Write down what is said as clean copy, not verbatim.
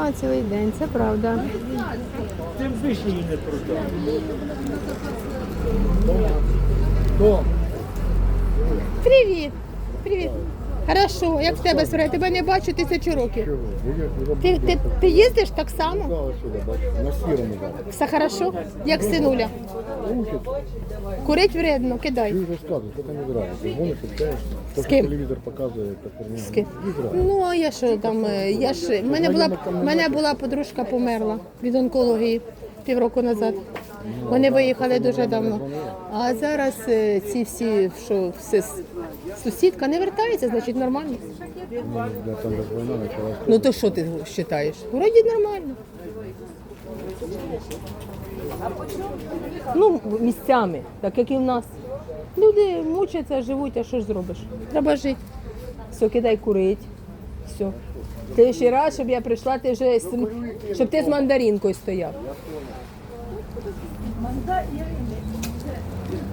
Да, цілий день, це правда. Тим вишні її не продав. Хто? Привіт! Привіт! Хорошо, як в тебе справа? Тебе не бачу 1000 років. Ти їздиш так само? На сірому зараз. Все хорошо? Як синуля? Курить вредно, кидай. Ти вже сказав, що ти не зразу. Ти гониш, общаєшся. З ким? Телевізор показує, та херня. З ким? І зразу. Ну, а я що там, в мене була подружка померла від онкології півроку назад. Вони виїхали дуже давно. А зараз ці всі, що сусідка не вертається, значить нормально. Ну, там же війна почалась. Ну то що ти вважаєш? Вроді нормально. Ну, місцями, так як і в нас. Люди мучаться, живуть, а що ж зробиш? Треба жити. Все, кидай курить. Все. Ти ще раз, щоб я прийшла, щоб ти з мандаринкою стояв.